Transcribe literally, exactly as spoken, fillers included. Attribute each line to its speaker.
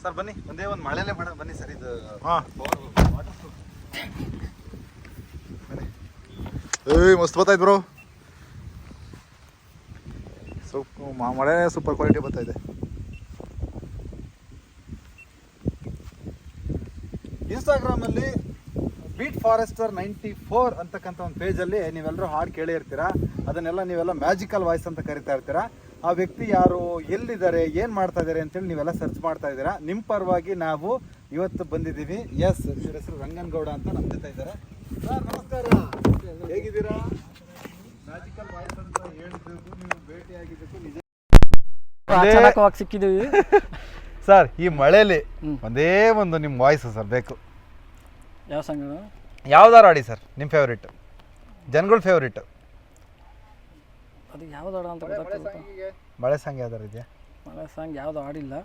Speaker 1: Sir ಬನ್ನಿ ಒಂದೇ ಒಂದು ಮಳೆನೇ ಬೇಡ ಬನ್ನಿ ಸರ್ ಇದು
Speaker 2: ಹಾಂ ಏಯ್ ಮಸ್ತ್ ಬರ್ತಾಯ್ತು ಬ್ರೋ ಸೂಪ್ ಮಳೆ ಸೂಪರ್ ಕ್ವಾಲಿಟಿ ಬರ್ತಾ ಇದೆ.
Speaker 1: ಇನ್ಸ್ಟಾಗ್ರಾಮಲ್ಲಿ ಬೀಟ್ ಫಾರೆಸ್ಟರ್ ನೈಂಟಿ ಫೋರ್ ಅಂತಕ್ಕಂಥ ಒಂದು ಪೇಜಲ್ಲಿ ನೀವೆಲ್ಲರೂ ಹಾಡು ಕೇಳಿ ಇರ್ತೀರಾ. ಅದನ್ನೆಲ್ಲ ನೀವೆಲ್ಲ ಮ್ಯಾಜಿಕಲ್ ವಾಯ್ಸ್ ಅಂತ ಕರಿತಾ ಇರ್ತೀರಾ. ಆ ವ್ಯಕ್ತಿ ಯಾರು, ಎಲ್ಲಿದ್ದಾರೆ, ಏನು ಮಾಡ್ತಾ ಇದ್ದಾರೆ ಅಂತೇಳಿ ನೀವೆಲ್ಲ ಸರ್ಚ್ ಮಾಡ್ತಾ ಇದ್ದೀರಾ. ನಿಮ್ಮ ಪರವಾಗಿ ನಾವು ಇವತ್ತು ಬಂದಿದ್ದೀವಿ. ಎಸ್, ಇವ್ರ ಹೆಸರು ರಂಗನಗೌಡ ಅಂತ ನಮ್ಮ ಜೊತೆ ಇದ್ದಾರೆ. ಸರ್ ನಮಸ್ಕಾರ, ಹೇಗಿದ್ದೀರಾ? ಮ್ಯಾಜಿಕಲ್ ವಾಯ್ಸ್ ಅಂತ ಹೇಳಿದ್ದಕ್ಕೂ ನೀವು ಭೇಟಿಯಾಗಿದ್ದಕ್ಕೂ ನಿಜ
Speaker 3: ಸಿಕ್ಕಿದ್ದೀವಿ
Speaker 1: ಸರ್. ಈ ಮಳೆಯಲ್ಲಿ ಒಂದೇ ಒಂದು ನಿಮ್ಮ ವಾಯ್ಸ್ ಸರ್ ಬೇಕು.
Speaker 3: ಯಾವ ಸಾಂಗ್?
Speaker 1: ಯಾವ್ದಾರು ಆಡಿ ಸರ್, ನಿಮ್ಮ ಫೇವ್ರೇಟ್, ಜನಗಳ ಫೇವ್ರೇಟ್.
Speaker 3: ಅದು ಯಾವ್ದು ಹಾಡು ಅಂತ ಗೊತ್ತಾಗ್ತದೆ.
Speaker 1: ಮಳೆ ಸಾಂಗ್ ಯಾವ್ದಾರು ಇದೆಯಾ?
Speaker 3: ಮಳೆ ಸಾಂಗ್ ಯಾವುದು ಆಡಿಲ್ಲ.